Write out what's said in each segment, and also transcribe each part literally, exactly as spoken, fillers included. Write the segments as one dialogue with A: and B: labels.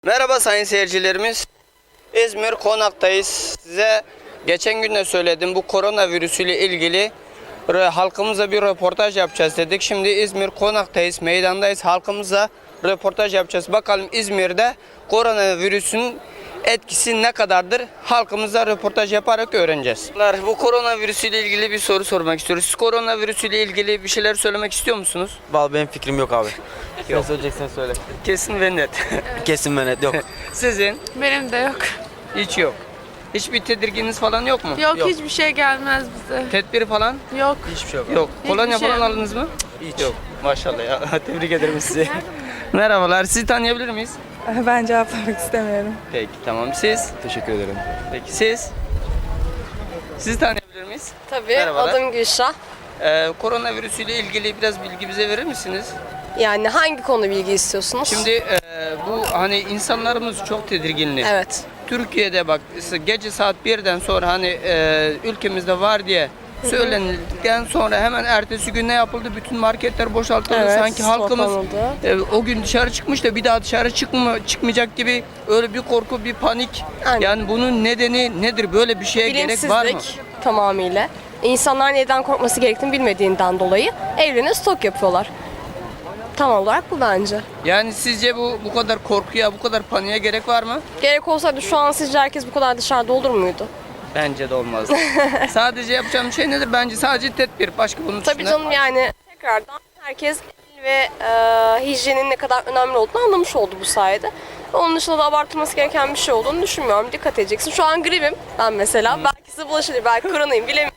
A: Merhaba sayın seyircilerimiz. İzmir Konak'tayız. Size geçen gün de söyledim, bu koronavirüsüyle ilgili halkımıza bir röportaj yapacağız dedik. Şimdi İzmir Konak'tayız, meydandayız. Halkımıza röportaj yapacağız. Bakalım İzmir'de koronavirüsün etkisi ne kadardır? Halkımıza röportaj yaparak öğreneceğiz. Bu koronavirüsüyle ilgili bir soru sormak istiyoruz. Siz koronavirüsüyle ilgili bir şeyler söylemek istiyor musunuz?
B: Vallahi benim fikrim yok abi.
A: Yok.
B: Ne söyleyeceksen söyle.
A: Kesin ve net.
B: Kesin ve net yok.
A: Sizin?
C: Benim de yok.
A: Hiç yok. Hiçbir tedirgininiz falan yok mu?
C: Yok,
B: Yok.
C: hiçbir şey gelmez bize.
A: Tedbiri falan?
C: Yok.
B: Hiçbir şey yok.
A: Yok.
C: Hiçbir
A: Kolonya
C: şey
A: falan
C: yok.
A: aldınız mı?
B: Hiç.
A: Yok. Maşallah ya. Tebrik ederim sizi. Merhabalar. Sizi tanıyabilir miyiz?
D: Ben cevaplamak istemiyorum.
A: Peki tamam. Siz?
B: Teşekkür ederim.
A: Peki siz? Sizi tanıyabilir miyiz?
E: Tabii,
A: Merhabalar.
E: adım Gülşah.
A: Ee, koronavirüsüyle ilgili biraz bilgi bize verir misiniz?
E: Yani hangi konu bilgi istiyorsunuz?
A: Şimdi e, bu hani insanlarımız çok tedirginli.
E: Evet.
A: Türkiye'de bak gece saat birden sonra hani e, ülkemizde var diye söylendikten sonra hemen ertesi gün ne yapıldı? Bütün marketler boşaltıldı.
E: Evet,
A: Sanki halkımız
E: kapanıldı.
A: e, o gün dışarı çıkmış da bir daha dışarı çıkma, çıkmayacak gibi öyle bir korku, bir panik.
E: Aynen.
A: Yani bunun nedeni nedir? Böyle bir şeye gerek var mı?
E: Bilinçsizlik tamamıyla. İnsanlar neden korkması gerektiğini bilmediğinden dolayı evlerine stok yapıyorlar. Tam olarak bu bence.
A: Yani sizce bu bu kadar korkuya, bu kadar paniğe gerek var mı?
E: Gerek olsaydı şu an sizce herkes bu kadar dışarıda olur muydu?
A: Bence de olmaz. Sadece yapacağım şey nedir? Bence sadece tedbir. Başka bunun
E: Tabii
A: dışında-
E: canım, yani tekrardan herkes el ve e, hijyenin ne kadar önemli olduğunu anlamış oldu bu sayede. Onun dışında da abartılması gereken bir şey olduğunu düşünmüyorum. Dikkat edeceksin. Şu an gripim ben mesela. Belki size bulaşır, belki koronayım, bilemiyorum.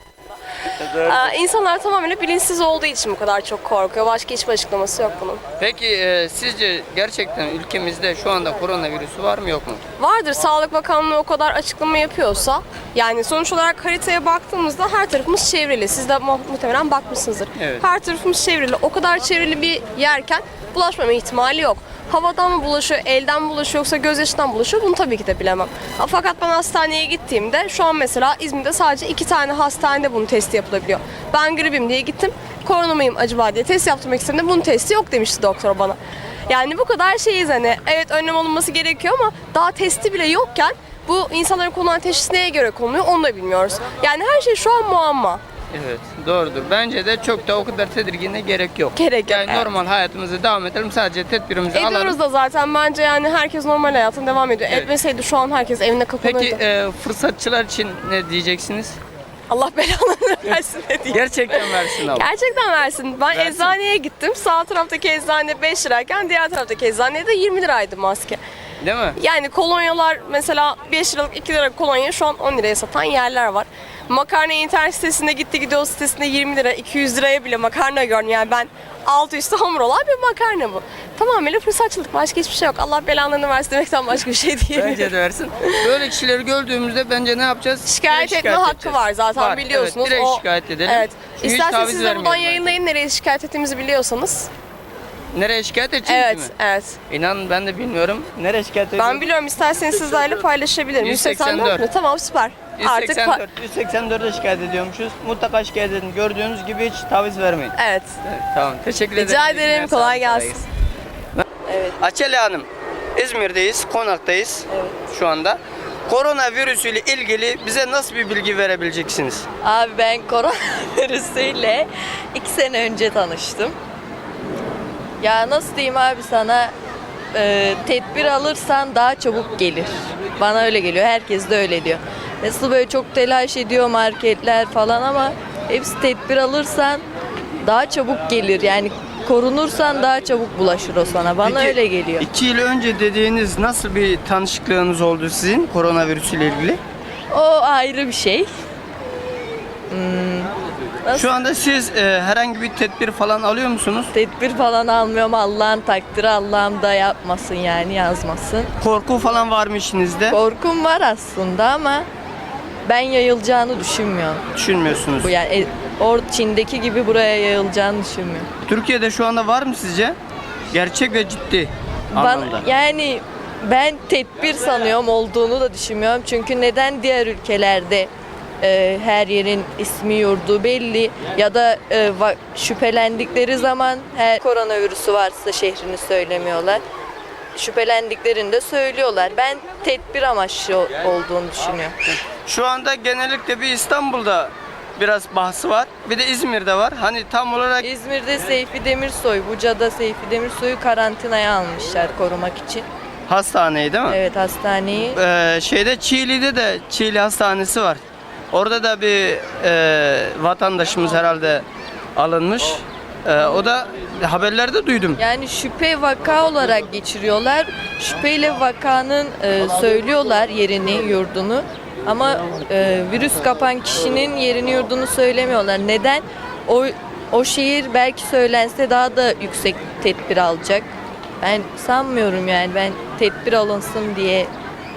E: Ee, insanlar tamamen bilinçsiz olduğu için bu kadar çok korkuyor. Başka hiçbir açıklaması yok bunun.
A: Peki e, sizce gerçekten ülkemizde şu anda koronavirüsü var mı yok mu?
E: Vardır, Sağlık Bakanlığı o kadar açıklama yapıyorsa. Yani sonuç olarak haritaya baktığımızda her tarafımız çevrili. Siz de mu- muhtemelen bakmışsınızdır.
A: Evet.
E: Her tarafımız çevrili. O kadar çevrili bir yerken bulaşmama ihtimali yok. Havadan mı bulaşıyor, elden mi bulaşıyor yoksa gözyaşından bulaşıyor, bunu tabii ki de bilemem. Ha, Fakat ben hastaneye gittiğimde şu an mesela İzmir'de sadece iki tane hastanede bunun testi yapılabiliyor. Ben gripim diye gittim, korona mıyım acaba diye test yaptırmak istediğimde bunun testi yok demişti doktor bana. Yani bu kadar şeyiz hani, evet önlem alınması gerekiyor ama daha testi bile yokken bu insanların konulan teşhis neye göre konuluyor onu da bilmiyoruz. Yani her şey şu an muamma.
A: Evet, doğrudur. Bence de çok da o kadar tedirgine gerek yok.
E: Gerek yok,
A: Yani
E: evet.
A: normal hayatımızı devam edelim, sadece tedbirimizi alalım.
E: Ediyoruz da zaten, bence yani herkes normal hayatına devam ediyor.
A: Evet.
E: Etmeseydi şu an herkes evine kapanırdı.
A: Peki e, fırsatçılar için ne diyeceksiniz?
E: Allah belanı versin ne diyeyim.
A: Gerçekten versin abi.
E: Gerçekten versin. Ben
A: Versin.
E: eczaneye gittim. Sağ taraftaki eczane beş lirayken diğer taraftaki eczanede yirmi liraydı maske.
A: Değil mi?
E: Yani kolonyalar mesela beş liralık iki lira kolonya şu an on liraya satan yerler var. Makarna internet sitesinde gitti gidiyor sitesinde yirmi lira iki yüz liraya bile makarna gördüm. Yani ben altı üstü hamur olan bir makarna bu. Tamamıyla fırsatçılık, başka hiçbir şey yok. Allah belanlarını versin demekten başka bir şey değil.
A: Bence de versin. Böyle kişileri gördüğümüzde bence ne yapacağız?
E: Şikayet
A: Direkt
E: etme hakkı
A: edeceğiz.
E: var zaten, biliyorsunuz.
A: Evet, direkt
E: O-
A: şikayet edelim.
E: Evet.
A: Çünkü hiç
E: İsterseniz
A: taviz
E: siz de buradan
A: vermeyelim bence.
E: yayınlayın nereye şikayet ettiğimizi biliyorsanız.
A: Nereye şikayet edeceğiz
E: Evet,
A: mi?
E: evet.
A: İnan ben de bilmiyorum. Nereye şikayet edeceğiz?
E: Ben biliyorum, isterseniz sizlerle paylaşabilirim.
A: yüz seksen dört.
E: yüz seksen dört mü? Tamam, süper. Artık
A: yüz seksen dört,
E: pa-
A: yüz seksen dörde şikayet ediyormuşuz. Mutlaka şikayet edin. Gördüğünüz gibi hiç taviz vermeyin.
E: Evet.
A: Evet, tamam. Teşekkür ederim.
E: Rica
A: İyi günler,
E: ederim.
A: sağ olun,
E: Kolay gelsin.
A: Evet. Açeli Hanım, İzmir'deyiz, Konak'tayız şu anda. Koronavirüsü ile ilgili bize nasıl bir bilgi verebileceksiniz?
F: Abi ben koronavirüsüyle iki sene önce tanıştım. Ya nasıl diyeyim abi sana, e, tedbir alırsan daha çabuk gelir. Bana öyle geliyor, herkes de öyle diyor. Nasıl böyle çok telaş ediyor marketler falan ama hepsi tedbir alırsan daha çabuk gelir. Yani korunursan daha çabuk bulaşır o sana. Bana
A: Peki,
F: öyle geliyor.
A: İki yıl önce dediğiniz nasıl bir tanışıklığınız oldu sizin koronavirüsü ile ilgili?
F: O ayrı bir şey. Nasıl?
A: Şu anda siz e, herhangi bir tedbir falan alıyor musunuz?
F: Tedbir falan almıyorum. Allah'ın takdiri, Allah'ım da yapmasın yani, yazmasın.
A: Korku falan var mı işinizde?
F: Korkum var aslında ama ben yayılacağını düşünmüyorum.
A: Düşünmüyorsunuz.
F: Bu yani e, or Çin'deki gibi buraya yayılacağını düşünmüyorum.
A: Türkiye'de şu anda var mı sizce? Gerçek ve ciddi
F: Bana,
A: anlamda.
F: yani ben tedbir sanıyorum, olduğunu da düşünmüyorum. Çünkü neden diğer ülkelerde e, her yerin ismi yurdu belli ya da e, va- şüphelendikleri zaman her koronavirüsü varsa şehrini söylemiyorlar. şüphelendiklerini de söylüyorlar. Ben tedbir amaçlı olduğunu düşünüyorum.
A: Şu anda genellikle bir İstanbul'da biraz bahsi var. Bir de İzmir'de var. Hani tam olarak
F: İzmir'de Seyfi Demirsoy, Buca'da Seyfi Demirsoy'u karantinaya almışlar korumak için.
A: hastaneyi değil mi?
F: Evet, hastaneyi.
A: Ee, şeyde Çiğli'de de Çiğli Hastanesi var. Orada da bir e, vatandaşımız herhalde alınmış. Ee, o da haberlerde duydum.
F: Yani şüphe vaka olarak geçiriyorlar. Şüpheyle vakanın e, söylüyorlar yerini, yurdunu. Ama e, virüs kapan kişinin yerini, yurdunu söylemiyorlar. Neden? O o şehir belki söylense daha da yüksek tedbir alacak. Ben sanmıyorum yani. Ben tedbir alınsın diye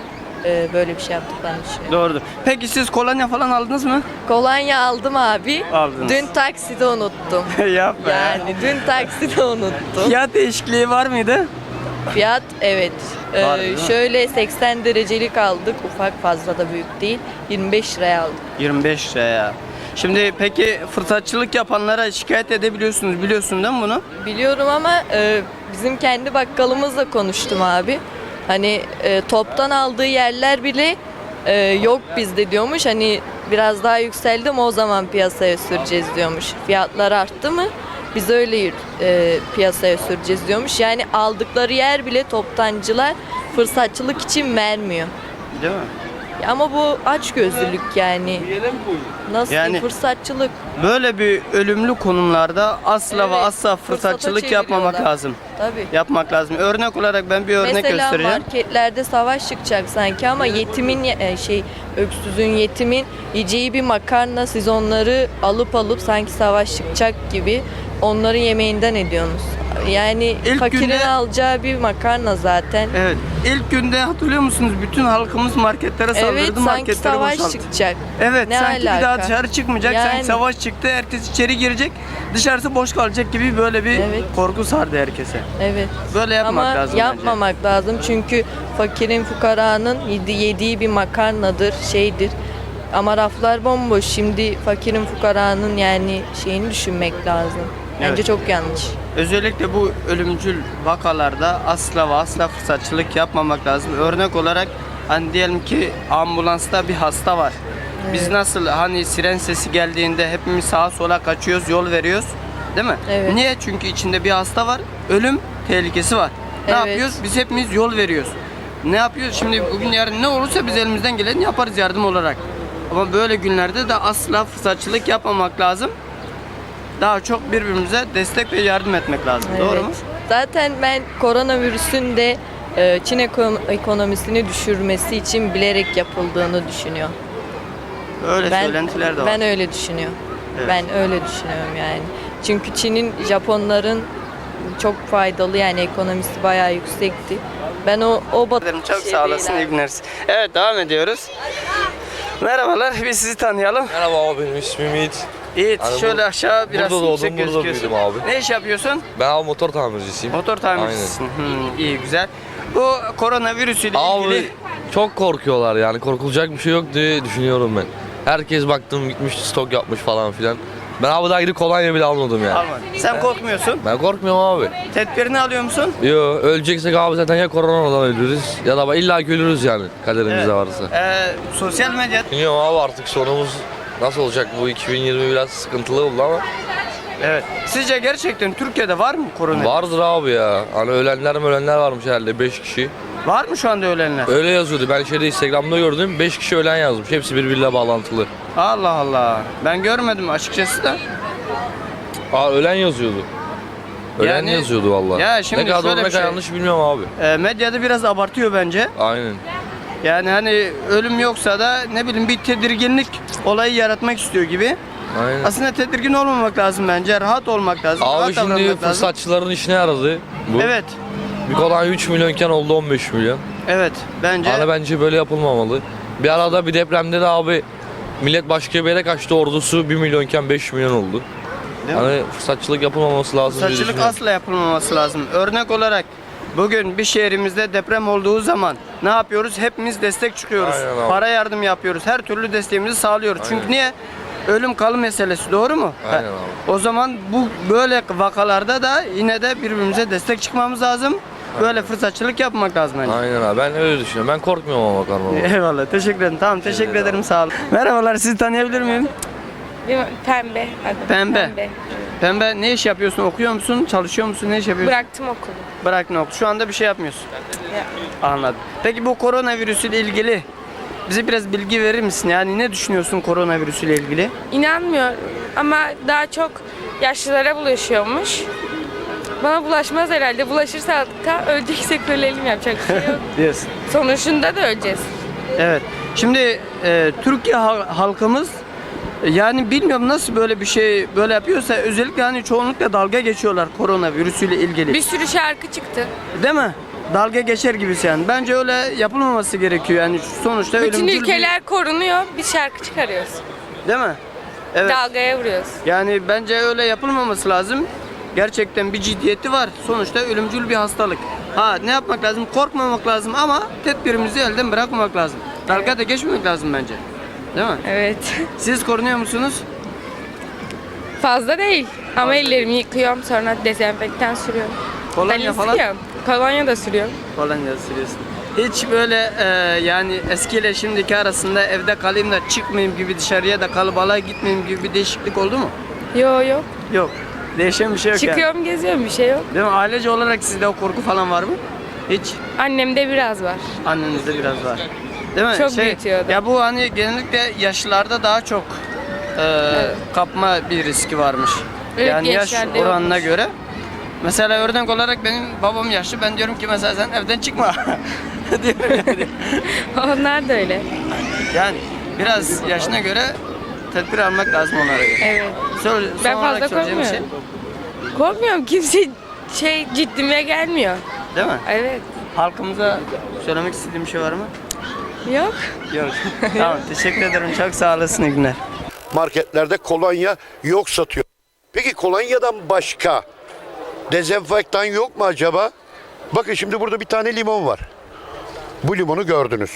F: e, böyle bir şey yaptıklarını düşünüyorum.
A: Doğrudur. Peki siz kolonya falan aldınız mı?
F: Kolonya aldım abi.
A: Aldınız.
F: Dün takside unuttum.
A: Yapma ya.
F: Yani dün takside unuttum.
A: Fiyat değişikliği var mıydı?
F: Fiyat evet. Ee,
A: Var, değil mi?
F: şöyle seksen derecelik aldık. Ufak, fazla da büyük değil. yirmi beş liraya aldık.
A: yirmi beş liraya. Şimdi peki fırsatçılık yapanlara şikayet edebiliyorsunuz. Biliyorsun değil mi bunu?
F: Biliyorum ama e, bizim kendi bakkalımızla konuştum abi. Hani e, toptan aldığı yerler bile e, yok bizde diyormuş. Hani biraz daha yükseldi mi o zaman piyasaya süreceğiz diyormuş. Fiyatlar arttı mı biz öyle e, piyasaya süreceğiz diyormuş. Yani aldıkları yer bile toptancılar fırsatçılık için vermiyor.
A: Değil mi?
F: Ama bu açgözlülük yani. Nasıl
A: Yani-
F: diyeyim, fırsatçılık.
A: Böyle bir ölümlü konumlarda asla ve
F: Evet,
A: asla
F: fırsata
A: fırsatçılık yapmamak
F: çeviriyorlar.
A: lazım.
F: Tabii.
A: Yapmak lazım. Örnek olarak ben bir örnek
F: Mesela
A: göstereceğim.
F: marketlerde savaş çıkacak sanki ama yetimin ye- e, şey öksüzün yetimin yiyeceği bir makarna siz onları alıp alıp sanki savaş çıkacak gibi onların yemeğinden ediyorsunuz. Yani
A: İlk
F: fakirin
A: günde-
F: alacağı bir makarna zaten.
A: Evet. İlk günde hatırlıyor musunuz? Bütün halkımız marketlere saldırdı.
F: Evet, sanki
A: marketleri
F: savaş
A: boşalttı.
F: çıkacak.
A: Evet,
F: Ne
A: sanki bir daha
F: alaka?
A: dışarı çıkmayacak.
F: Yani-
A: Sanki savaş çıktı. Ertesi içeri girecek. Dışarısı boş kalacak gibi böyle bir
F: Evet.
A: korku sardı herkese.
F: Evet.
A: Böyle yapmak
F: Ama
A: lazım
F: yapmamak lazım çünkü fakirin fukaranın yedi- yediği bir makarnadır, şeydir. Ama raflar bomboş. Şimdi fakirin fukaranın yani şeyini düşünmek lazım. Bence
A: Evet.
F: çok yanlış.
A: bence. Özellikle bu ölümcül vakalarda asla ve asla fırsatçılık yapmamak lazım. Örnek olarak hani diyelim ki ambulansta bir hasta var. Biz nasıl hani siren sesi geldiğinde hepimiz sağa sola kaçıyoruz, yol veriyoruz. Değil mi?
F: Evet.
A: Niye? Çünkü içinde bir hasta var. Ölüm tehlikesi var. Ne
F: Evet.
A: yapıyoruz? Biz hepimiz yol veriyoruz. Ne yapıyoruz? Şimdi bugün yarın ne olursa biz elimizden geleni yaparız yardım olarak. Ama böyle günlerde de asla fırsatçılık yapmamak lazım. Daha çok birbirimize destek ve yardım etmek lazım. Doğru
F: Evet.
A: mu?
F: Zaten ben koronavirüsün de e, Çin eko- ekonomisini düşürmesi için bilerek yapıldığını düşünüyorum.
A: Öyle
F: Ben
A: söylentiler de var.
F: ben öyle düşünüyorum.
A: Evet.
F: Ben öyle düşünüyorum yani. Çünkü Çin'in Japonların çok faydalı yani ekonomisi bayağı yüksekti. Ben o o bat-
A: Ederim, Çok
F: şey
A: sağ olasın.
F: değil
A: İyi
F: abi.
A: günler. Evet, devam ediyoruz. Merhabalar. Biz sizi tanıyalım.
G: Merhaba abi, benim ismim Yiğit.
A: Yiğit,
G: Hani bu-
A: şöyle aşağı biraz
G: burada doğdum,
A: yüksek
G: burada
A: gözüküyorsun.
G: büyüdüm abi.
A: Ne iş yapıyorsun?
G: Ben abi motor tamircisiyim.
A: Motor tamircisisin. Hmm, iyi, güzel. Bu koronavirüs ile ilgili
G: Abi çok korkuyorlar yani, korkulacak bir şey yok diye düşünüyorum ben. Herkes baktım gitmiş stok yapmış falan filan. Ben abi daha gidip kolonya bile almadım yani.
A: alma. Sen korkmuyorsun.
G: Ben korkmuyorum abi.
A: Tedbirini alıyor musun?
G: Yo, öleceksek abi zaten ya koronadan ölürüz ya da illa ki ölürüz yani kaderimizde
A: Evet.
G: varsa.
A: Ee, sosyal medya.
G: Bilmiyorum abi, artık sonumuz nasıl olacak, bu iki bin yirmi biraz sıkıntılı oldu ama
A: Evet. Sizce gerçekten Türkiye'de var mı korona?
G: vardır abi ya. Hani ölenler ölenler varmış herhalde, beş kişi.
A: Var mı şu anda ölenler?
G: Öyle yazıyordu. Ben şeyde Instagram'da gördüm. beş kişi ölen yazmış. Hepsi birbiriyle bağlantılı.
A: Allah Allah. Ben görmedim açıkçası da.
G: Aa, ölen yazıyordu. Ölen
A: Yani-
G: yazıyordu vallahi.
A: Ya şimdi
G: ne kadar
A: şöyle
G: doğru ne
A: bir
G: kadar
A: şey-
G: yanlış bilmiyorum abi.
A: Ee, medyada biraz abartıyor bence.
G: Aynen.
A: Yani hani ölüm yoksa da ne bileyim bir tedirginlik olayı yaratmak istiyor gibi.
G: Aynen.
A: Aslında tedirgin olmamak lazım bence. Rahat olmak lazım.
G: Abi
A: rahat
G: şimdi
A: davranmak lazım.
G: fırsatçıların işine yaradı bu.
A: Evet.
G: Bir kolonya üç milyonken oldu on beş milyon.
A: Evet. Bence
G: Hani bence böyle yapılmamalı. Bir arada bir depremde de abi millet başka bir yere kaçtı, ordusu bir milyonken beş milyon oldu.
A: Değil mi?
G: Hani fırsatçılık yapılmaması lazım diye
A: Fırsatçılık
G: düşünüyorum.
A: asla yapılmaması lazım. Örnek olarak bugün bir şehrimizde deprem olduğu zaman ne yapıyoruz? Hepimiz destek çıkıyoruz.
G: Aynen abi.
A: Para yardım yapıyoruz. Her türlü desteğimizi sağlıyoruz. Çünkü
G: Aynen.
A: niye? Ölüm kalım meselesi, doğru mu?
G: Aynen
A: Ha,
G: abi.
A: O zaman bu böyle vakalarda da yine de birbirimize destek çıkmamız lazım. böyle fırsatçılık yapmak lazım bence.
G: Aynen abi ben öyle düşünüyorum. Ben korkmuyorum ama karnaval.
A: Eyvallah, teşekkür ederim. Tamam, teşekkür ederim, sağ olun. Merhabalar, sizi tanıyabilir miyim?
C: Pembe. adı.
A: Pembe. Pembe, ne iş yapıyorsun? Okuyor musun? Çalışıyor musun? Ne iş yapıyorsun?
C: Bıraktım okulu.
A: Bırak ne okul. Şu anda bir şey yapmıyorsun. Anladım. Peki bu koronavirüsüyle ilgili bize biraz bilgi verir misin? Yani ne düşünüyorsun koronavirüsüyle ilgili?
C: İnanmıyorum ama daha çok yaşlılara bulaşıyormuş. Bana bulaşmaz herhalde. Bulaşırsa da öleceksek ölelim, yapacak bir şey yok.
A: Diyorsun.
C: Sonuçunda da öleceğiz.
A: Evet. Şimdi e, Türkiye hal- halkımız e, yani bilmiyorum nasıl böyle bir şey böyle yapıyorsa, özellikle hani çoğunlukla dalga geçiyorlar koronavirüsüyle ilgili.
C: Bir sürü şarkı çıktı.
A: Değil mi? Dalga geçer gibisi yani. Bence öyle yapılmaması gerekiyor yani sonuçta
C: Bütün
A: ölümcül
C: ülkeler korunuyor. Biz şarkı çıkarıyoruz.
A: bir... Değil mi? Evet.
C: Dalgaya vuruyoruz.
A: Yani bence öyle yapılmaması lazım. Gerçekten bir ciddiyeti var. Sonuçta ölümcül bir hastalık. Ha, ne yapmak lazım? Korkmamak lazım ama tedbirimizi elden bırakmamak lazım. Dalga da geçmemek lazım bence. Değil mi?
C: Evet.
A: Siz korunuyor musunuz?
C: Fazla değil. Ama ellerimi yıkıyorum, sonra dezenfektan sürüyorum.
A: Kolonya
C: Ben
A: falan?
C: istiyorum. Kolonya da sürüyorum.
A: Kolonya sürüyorsun. Hiç böyle e, yani eskiyle şimdiki arasında evde kalayım da çıkmayayım gibi, dışarıya da kalabalığa gitmeyeyim gibi bir değişiklik oldu mu?
C: Yok yok.
A: Yok. Değişen bir şey yok yani.
C: Çıkıyorum, geziyorum, bir şey yok.
A: Değil mi? Ailece olarak sizde o korku falan var mı? Hiç.
C: Annemde biraz var.
A: Annenizde biraz var. Değil mi?
C: Çok büyütüyordu.
A: Ya bu hani genellikle yaşlılarda daha çok e, kapma bir riski varmış.
C: Evet,
A: yani yaş
C: gençlerde
A: oranına
C: yokmuş.
A: göre. Mesela örnek olarak benim babam yaşlı. Ben diyorum ki mesela sen evden çıkma. Diyorum yani.
C: Onlar da öyle.
A: Yani biraz yaşına göre tedbir almak lazım onlara göre.
C: Evet.
A: Sor,
C: Ben
A: son olarak
C: fazla
A: soracağım bir şey.
C: korkmuyorum. Korkmuyorum. Kimse şey ciddime gelmiyor.
A: Değil mi?
C: Evet.
A: Halkımıza söylemek istediğim bir şey var mı?
C: Yok.
A: Yok. Tamam, teşekkür ederim. Çok sağ olasın. İyi günler.
H: Marketlerde kolonya yok satıyor. Peki kolonyadan başka dezenfektan yok mu acaba? Bakın şimdi burada bir tane limon var. Bu limonu gördünüz.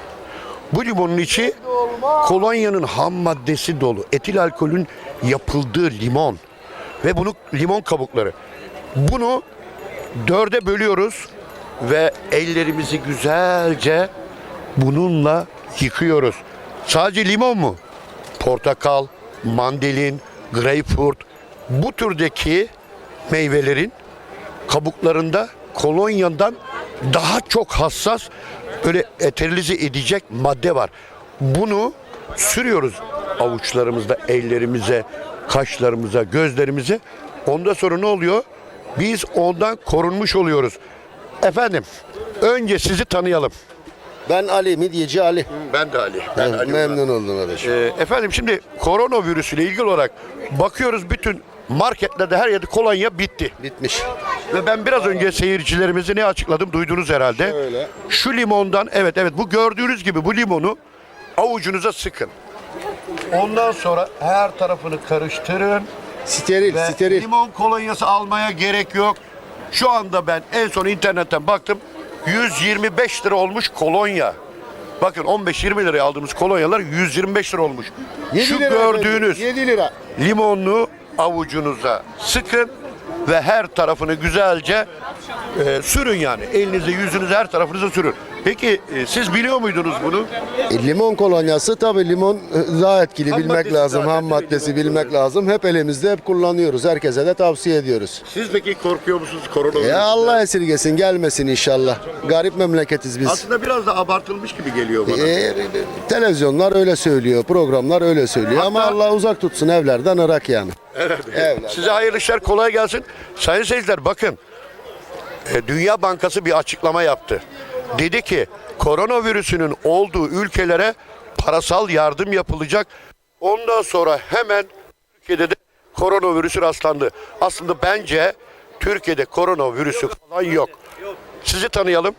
H: Bu limonun içi kolonyanın ham maddesi dolu. Etil alkolün yapıldığı limon. Ve bunu limon kabukları. Bunu dörde bölüyoruz ve ellerimizi güzelce bununla yıkıyoruz. Sadece limon mu? Portakal, mandalin, greyfurt, bu türdeki meyvelerin kabuklarında kolonyadan daha çok hassas, böyle eterilize edecek madde var. Bunu sürüyoruz avuçlarımızda, ellerimize, kaşlarımıza, gözlerimize. Ondan sonra ne oluyor? Biz ondan korunmuş oluyoruz. Efendim, önce sizi tanıyalım.
I: Ben Ali, Midyeci Ali.
H: Ben de Ali. Ben Ali
I: Memnun oldum kardeşim.
H: Ee, efendim şimdi koronavirüsüyle ilgili olarak bakıyoruz, bütün marketlerde her yerde kolonya bitti.
I: Bitmiş.
H: Ve ben biraz önce seyircilerimize ne açıkladım, duydunuz herhalde.
I: Öyle.
H: Şu limondan, evet evet, bu gördüğünüz gibi bu limonu avucunuza sıkın. Ondan sonra her tarafını karıştırın.
I: Steril,
H: Ve
I: steril.
H: limon kolonyası almaya gerek yok. Şu anda ben en son internetten baktım. yüz yirmi beş lira olmuş kolonya. Bakın on beş yirmi liraya aldığımız kolonyalar yüz yirmi beş lira olmuş. Şu gördüğünüz
I: yedi lira.
H: limonlu avucunuza sıkın ve her tarafını güzelce e, sürün yani. Elinize, yüzünüze, her tarafınıza sürün. Peki e, siz biliyor muydunuz bunu?
I: E, limon kolonyası tabii limon e, daha etkili
H: Ham
I: bilmek
H: maddesi
I: lazım.
H: zaten,
I: Ham
H: değil mi?
I: maddesi
H: Limon
I: bilmek lazım. Hep elimizde, hep kullanıyoruz. Herkese de tavsiye ediyoruz.
H: Siz peki korkuyor musunuz koronavirüsten?
I: Ya Allah esirgesin, gelmesin inşallah. Garip memleketiz biz.
H: Aslında biraz da abartılmış gibi geliyor bana.
I: E, televizyonlar öyle söylüyor, programlar öyle söylüyor ama
H: Hatta-
I: Allah uzak tutsun evlerden, Irak yani. Evlerden.
H: Size hayırlı işler, kolay gelsin. Sayın seyirciler, bakın. E, Dünya Bankası bir açıklama yaptı. Dedi ki koronavirüsünün olduğu ülkelere parasal yardım yapılacak. Ondan sonra hemen Türkiye'de de koronavirüsü rastlandı. Aslında bence Türkiye'de koronavirüsü falan yok. Sizi tanıyalım.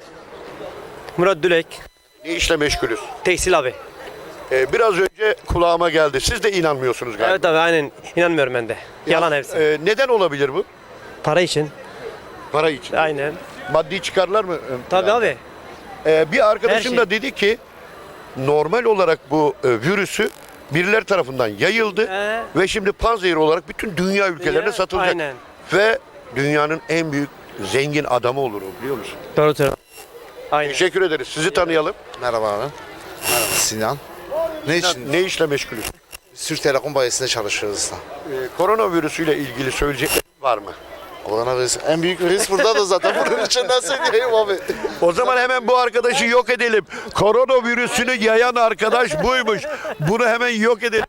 J: Murat Dülek,
H: Ne işle meşgulüz?
J: tekstil abi.
H: E, biraz önce kulağıma geldi. Siz de inanmıyorsunuz galiba.
J: Evet abi, aynen, inanmıyorum ben de. Yalan hepsi.
H: E, neden olabilir bu?
J: Para için.
H: Para için.
J: Aynen.
H: Maddi çıkarlar mı?
J: Tabii abi.
H: Ee, bir arkadaşım
J: Her şey.
H: da dedi ki normal olarak bu e, virüsü birileri tarafından yayıldı
J: Ee?
H: ve şimdi panzehir olarak bütün dünya ülkelerine
J: Dünya,
H: satılacak.
J: aynen.
H: Ve dünyanın en büyük zengin adamı olur o, biliyor musun?
J: Doğru doğru. Aynen.
H: Teşekkür ederiz. Sizi tanıyalım.
K: Merhaba abi. Merhaba Sinan. Ne için?
H: Ne işle meşgulüz?
K: Türk Telekom bayisinde çalışıyoruz da.
H: Ee, koronavirüsüyle ilgili söyleyeceklerin var mı?
K: Koronavirüs en büyük virüs burada da zaten. Bunun için ne söyleyeyim abi?
H: O zaman hemen bu arkadaşı yok edelim. Koronavirüsünü yayan arkadaş buymuş. Bunu hemen yok edelim.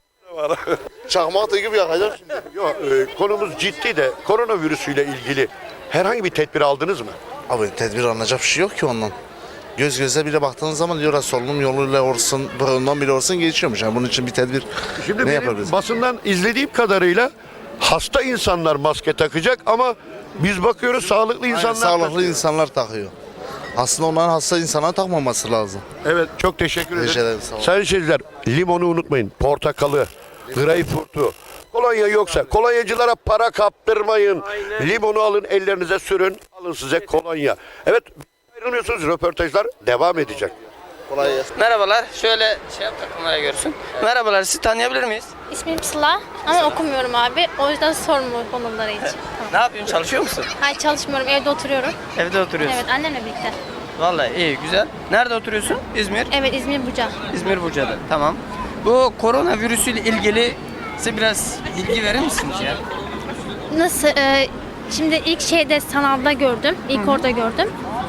K: Çakmak da gibi yakacak şimdi.
H: Yok, e, konumuz ciddi de koronavirüsüyle ilgili herhangi bir tedbir aldınız mı?
K: Abi tedbir alınacak bir şey yok ki ondan. Göz göze bile baktığınız zaman diyorlar solunum yoluyla olsun, burundan bile olsun geçiyormuş. Yani bunun için bir tedbir
H: Şimdi
K: ne
H: benim
K: yapabiliriz?
H: basından izlediğim kadarıyla hasta insanlar maske takacak ama biz bakıyoruz sağlıklı
K: Aynen,
H: insanlar
K: sağlıklı
H: takıyor.
K: insanlar takıyor. Aslında onların hasta insana takmaması lazım.
H: Evet, çok teşekkür
K: Rica
H: ederim.
K: ederim, sağ olun.
H: Sayın seyirciler, limonu unutmayın, portakalı, greyfurtu. Kolonya yoksa kolonyacılara para kaptırmayın. Limonu alın, ellerinize sürün, alın size kolonya. Evet, ayrılmıyorsunuz, röportajlar devam edecek.
K: Kolay gelsin.
A: Merhabalar. Şöyle şey yap da kamera görsün. Merhabalar. Sizi tanıyabilir miyiz?
L: İsmim Sıla ama okumuyorum abi. O yüzden sorma konuları için. Tamam.
A: Ne yapıyorsun? Çalışıyor musun?
L: Hayır çalışmıyorum. Evde oturuyorum.
A: Evde oturuyorsun.
L: Evet annemle birlikte.
A: Vallahi iyi, güzel. Nerede oturuyorsun? İzmir.
L: Evet İzmir Buca.
A: İzmir Buca'da. Tamam. Bu koronavirüsüyle ilgili size biraz bilgi verir misiniz ya?
L: Nasıl? e, şimdi ilk şeyde sanalda gördüm. İlk orada gördüm.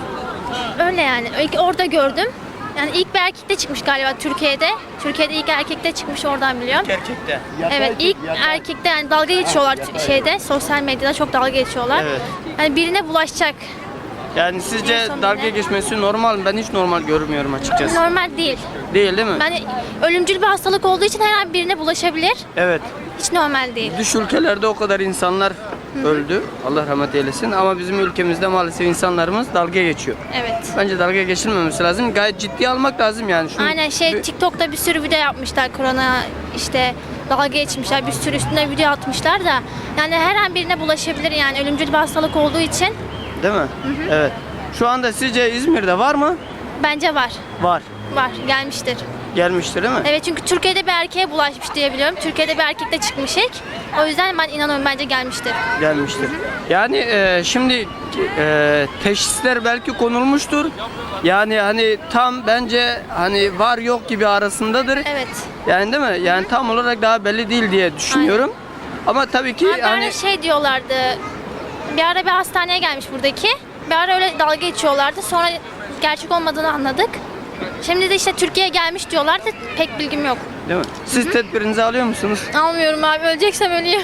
L: Öyle yani. İlk orada gördüm. Yani ilk bir erkekte çıkmış galiba Türkiye'de. Türkiye'de ilk erkekte çıkmış oradan biliyorum.
A: Erkekte.
L: Evet ilk erkekte yani dalga geçiyorlar şeyde sosyal medyada çok dalga geçiyorlar.
A: Evet.
L: Yani birine bulaşacak.
A: Yani sizce
L: En son
A: dalga
L: bile.
A: geçmesi normal mi? Ben hiç normal görmüyorum açıkçası.
L: Normal değil.
A: Değil değil mi?
L: Yani ölümcül bir hastalık olduğu için her an birine bulaşabilir.
A: Evet.
L: Hiç normal değil.
A: Dış ülkelerde o kadar insanlar öldü. Allah rahmet eylesin. Ama bizim ülkemizde maalesef insanlarımız dalga geçiyor.
L: Evet.
A: Bence dalga geçilmemesi lazım. Gayet ciddiye almak lazım yani. Şunu-
L: Aynen şey
A: bir-
L: TikTok'ta bir sürü video yapmışlar korona işte dalga geçmişler bir sürü üstüne video atmışlar da yani her an birine bulaşabilir yani ölümcül bir hastalık olduğu için
A: Değil mi? Evet. Şu anda sizce İzmir'de var mı?
L: bence var.
A: Var.
L: Var gelmiştir.
A: Gelmiştir değil mi?
L: Evet çünkü Türkiye'de bir erkeğe bulaşmış diye biliyorum. Türkiye'de bir erkekle çıkmış ilk. O yüzden ben inanıyorum bence gelmiştir.
A: Gelmiştir. Yani e, şimdi e, teşhisler belki konulmuştur. Yani hani tam bence hani var yok gibi arasındadır.
L: Evet.
A: Yani değil mi? Yani tam olarak daha belli değil diye düşünüyorum. Ama tabii ki
L: Ama bir ara
A: hani
L: şey diyorlardı. Bir ara bir hastaneye gelmiş buradaki. Bir ara öyle dalga geçiyorlardı. Sonra gerçek olmadığını anladık. Şimdi de işte Türkiye'ye gelmiş diyorlardı. Pek bilgim yok.
A: değil mi? Siz tedbirinizi alıyor musunuz?
L: Almıyorum abi. Öleceksem öleyim.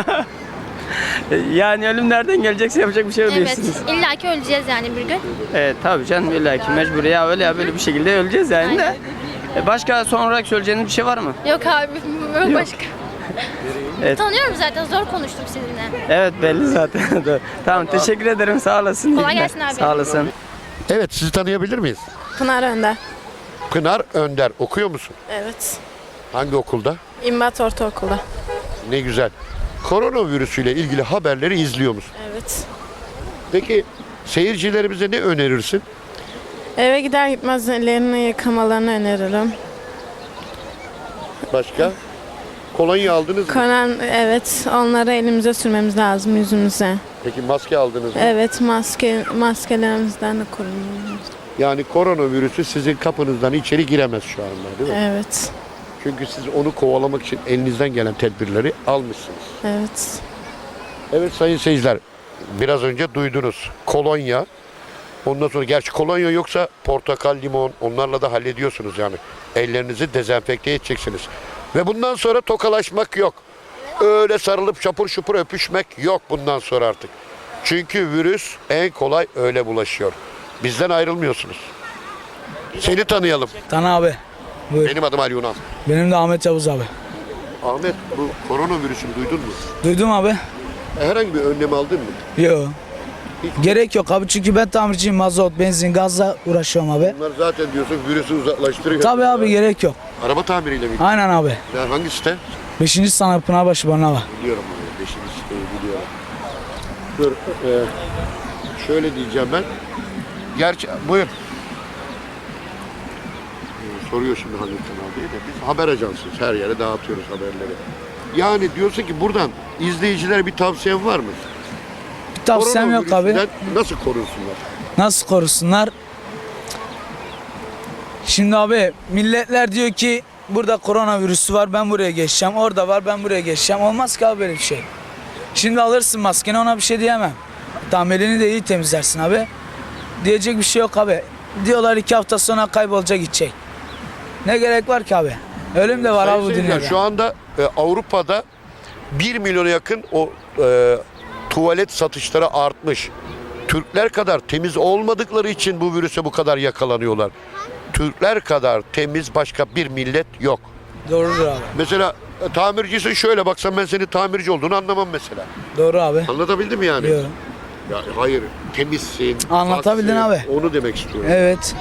A: Yani ölüm nereden gelecekse yapacak bir şey yok
L: Evet.
A: diyorsunuz.
L: İlla ki öleceğiz yani bir gün.
A: Evet tabii canım illa ki mecbur ya öyle ya böyle bir şekilde öleceğiz yani de. E, Başka son olarak söyleyeceğiniz bir şey var mı?
L: Yok abi. Yok
A: Yok.
L: başka.
A: Evet.
L: Tanıyorum zaten. Zor konuştum sizinle.
A: Evet belli zaten. Doğru. Tamam teşekkür ederim sağ olasın.
L: Kolay
A: İyi günler.
L: gelsin abi.
A: Sağ olasın.
H: Evet, sizi tanıyabilir miyiz?
D: Pınar Önder.
H: Pınar Önder, okuyor musun?
D: Evet.
H: Hangi okulda?
D: İmbat Ortaokulu'da.
H: Ne güzel. Koronavirüsüyle ilgili haberleri izliyor musun?
D: Evet.
H: Peki seyircilerimize ne önerirsin?
D: Eve gider gitmez ellerini yıkamalarını öneririm.
H: Başka? Kolonya aldınız mı?
D: Konan evet onları elimize sürmemiz lazım yüzümüze.
H: Peki maske aldınız mı?
D: Evet maske maskelerimizden de korunmamız.
H: Yani koronavirüsü sizin kapınızdan içeri giremez şu anda değil mi?
D: Evet.
H: Çünkü siz onu kovalamak için elinizden gelen tedbirleri almışsınız.
D: Evet.
H: Evet sayın seyirciler, biraz önce duydunuz. Kolonya, ondan sonra gerçi kolonya yoksa portakal, limon onlarla da hallediyorsunuz yani. Ellerinizi dezenfekte edeceksiniz. Ve bundan sonra tokalaşmak yok. Öyle sarılıp çapur şupur öpüşmek yok bundan sonra artık. Çünkü virüs en kolay öyle bulaşıyor. Bizden ayrılmıyorsunuz. Seni tanıyalım.
M: Tan abi. Buyur.
H: Benim adım Ali Yunan.
M: Benim de Ahmet Yavuz abi.
H: Ahmet, bu koronavirüsünü duydun mu?
M: Duydum abi.
H: Herhangi bir önlem aldın mı?
M: Yok. Gerek yok abi çünkü ben tamirciyim. Mazot, benzin, gazla uğraşıyorum abi.
H: Bunlar zaten diyorsun virüsü uzaklaştırıyor.
M: Tabii abi gerek yok.
H: Araba tamiriyle mi?
M: Aynen abi.
H: Yani hangi site?
M: Beşinci sınıf Pınarbaşı Barnava.
H: Biliyorum abi. Beşinci siteyi biliyorum. Dur. E, şöyle diyeceğim ben. Gerçi buyur. E, soruyor şimdi hangi kanal diye de. Biz haber ajansıyız. Her yere dağıtıyoruz haberleri. Yani diyorsun ki buradan izleyicilere bir tavsiyen var mı?
M: tavsiyem yok abi.
H: Koronavirüsünden nasıl korunsunlar?
M: Nasıl korusunlar? Şimdi abi milletler diyor ki burada koronavirüsü var ben buraya geçeceğim. Orada var ben buraya geçeceğim. Olmaz ki abi böyle bir şey. Şimdi alırsın maskeni ona bir şey diyemem. Tamam elini de iyi temizlersin abi. Diyecek bir şey yok abi. Diyorlar iki hafta sonra kaybolacak gidecek. Ne gerek var ki abi? Ölüm de var
H: Sayın
M: abi bu
H: seyirciler,
M: dünyada.
H: şu anda e, Avrupa'da bir milyona yakın o e, tuvalet satışları artmış. Türkler kadar temiz olmadıkları için bu virüse bu kadar yakalanıyorlar. Türkler kadar temiz başka bir millet yok.
M: Doğrudur abi.
H: Mesela e, tamircisin, şöyle baksam ben senin tamirci olduğunu anlamam mesela.
M: Doğru abi.
H: Anlatabildim mi yani?
M: Diyor.
H: Ya, hayır, temizsin.
M: Anlatabildin
H: paksın,
M: abi.
H: Onu demek istiyorum.
M: Evet.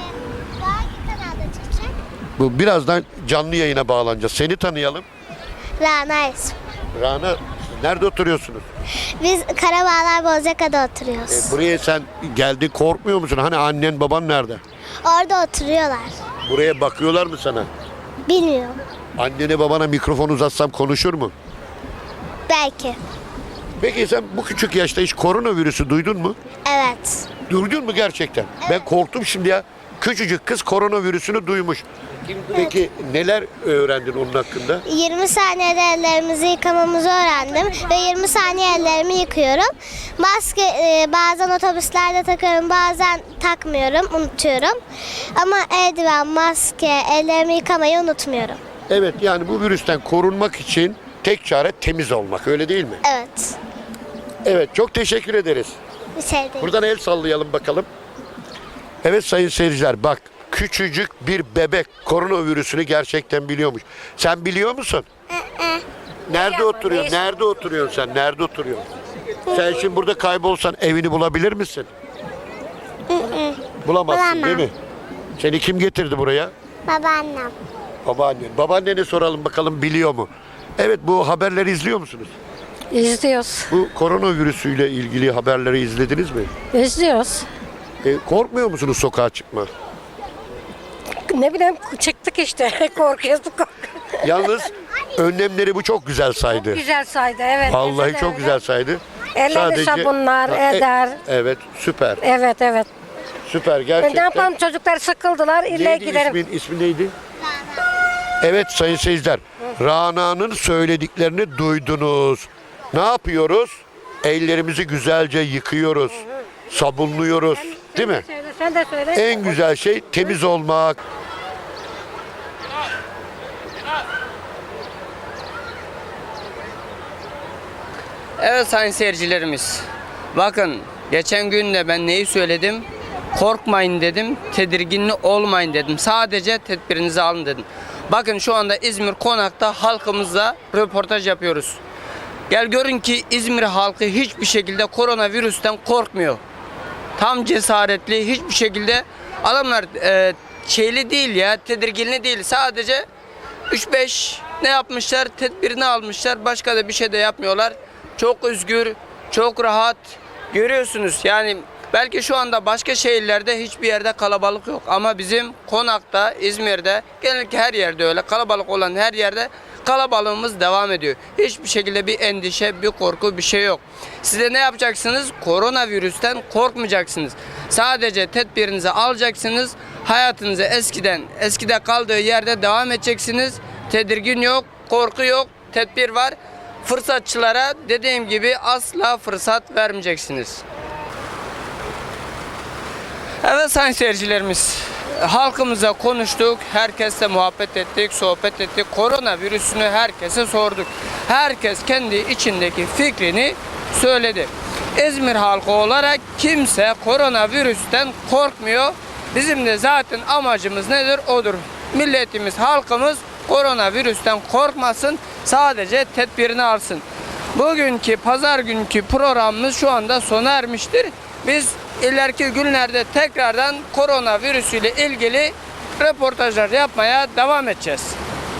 H: Bu birazdan canlı yayına bağlanacağız. Seni tanıyalım.
L: Rana'yız.
H: Rana, nerede oturuyorsunuz?
L: Biz Karabağlar Bozcaka'da oturuyoruz.
H: E, buraya sen geldin, korkmuyor musun? Hani annen baban nerede?
L: Orada oturuyorlar.
H: Buraya bakıyorlar mı sana?
L: Bilmiyorum.
H: Annene babana mikrofon uzatsam konuşur mu?
L: Belki.
H: Peki sen bu küçük yaşta hiç koronavirüsü duydun mu?
L: Evet.
H: Duydun mu gerçekten? Ben korktum şimdi ya. Küçücük kız koronavirüsünü duymuş. Peki neler öğrendin onun hakkında?
L: yirmi saniyede ellerimizi yıkamamızı öğrendim ve yirmi saniye ellerimi yıkıyorum. Maske e, bazen otobüslerde takıyorum, bazen takmıyorum, unutuyorum. Ama eldiven, maske, ellerimi yıkamayı unutmuyorum.
H: Evet, yani bu virüsten korunmak için tek çare temiz olmak, öyle değil mi?
L: Evet.
H: Evet, çok teşekkür ederiz.
L: Bir şey değil.
H: Buradan el sallayalım bakalım. Evet sayın seyirciler, bak küçücük bir bebek koronavirüsünü gerçekten biliyormuş. Sen biliyor musun? Nerede oturuyorsun? Nerede oturuyorsun sen? Nerede oturuyorsun? Sen şimdi burada kaybolsan evini bulabilir misin? Bulamazsın
L: Bulamam.
H: değil mi? Seni kim getirdi buraya?
L: Babaannem.
H: Babaannen. Babaannene soralım bakalım biliyor mu? Evet, bu haberleri izliyor musunuz?
F: İzliyoruz.
H: Bu koronavirüsüyle ilgili haberleri izlediniz mi?
F: İzliyoruz.
H: E, korkmuyor musunuz sokağa çıkma?
F: Ne bileyim çıktık işte. Korkuyoruz.
H: Yalnız önlemleri bu çok güzel saydı.
F: Güzel saydı evet.
H: Vallahi çok güzel saydı.
F: Elleri sabunlar
H: Ha, e-
F: eder.
H: Evet, süper.
F: Evet evet.
H: Süper
F: Ne
H: gerçekten.
F: yapalım çocuklar sıkıldılar. İlle
H: Neydi
F: giderim.
H: ismin? İsmi neydi? Evet sayın seyirciler. Rana'nın söylediklerini duydunuz. Ne yapıyoruz? Ellerimizi güzelce yıkıyoruz. Sabunluyoruz. Değil mi?
F: Söyle, sen de söyle.
H: En güzel şey temiz olmak.
A: Evet sayın seyircilerimiz. Bakın geçen gün de ben neyi söyledim? Korkmayın dedim, tedirginli olmayın dedim. Sadece tedbirinizi alın dedim. Bakın şu anda İzmir Konak'ta halkımızla röportaj yapıyoruz. Gel görün ki İzmir halkı hiçbir şekilde koronavirüsten korkmuyor. Tam cesaretli, hiçbir şekilde adamlar e, şeyli değil ya, tedirginli değil. Sadece üç beş ne yapmışlar? Tedbirini almışlar. Başka da bir şey de yapmıyorlar. Çok özgür, çok rahat. Görüyorsunuz yani belki şu anda başka şehirlerde hiçbir yerde kalabalık yok. Ama bizim Konak'ta, İzmir'de, genellikle her yerde öyle. Kalabalık olan her yerde kalabalığımız devam ediyor. Hiçbir şekilde bir endişe, bir korku, bir şey yok. Size ne yapacaksınız? Koronavirüsten korkmayacaksınız. Sadece tedbirinizi alacaksınız. Hayatınızı eskiden, eskide kaldığı yerde devam edeceksiniz. Tedirgin yok, korku yok, tedbir var. Fırsatçılara dediğim gibi asla fırsat vermeyeceksiniz. Evet sayın seyircilerimiz, halkımıza konuştuk, herkesle muhabbet ettik, sohbet ettik. Koronavirüsünü herkese sorduk. Herkes kendi içindeki fikrini söyledi. İzmir halkı olarak kimse koronavirüsten korkmuyor. Bizim de zaten amacımız nedir? Odur. Milletimiz, halkımız koronavirüsten korkmasın, sadece tedbirini alsın. Bugünkü pazar günkü programımız şu anda sona ermiştir. Biz ileriki günlerde tekrardan koronavirüsüyle ilgili röportajlar yapmaya devam edeceğiz.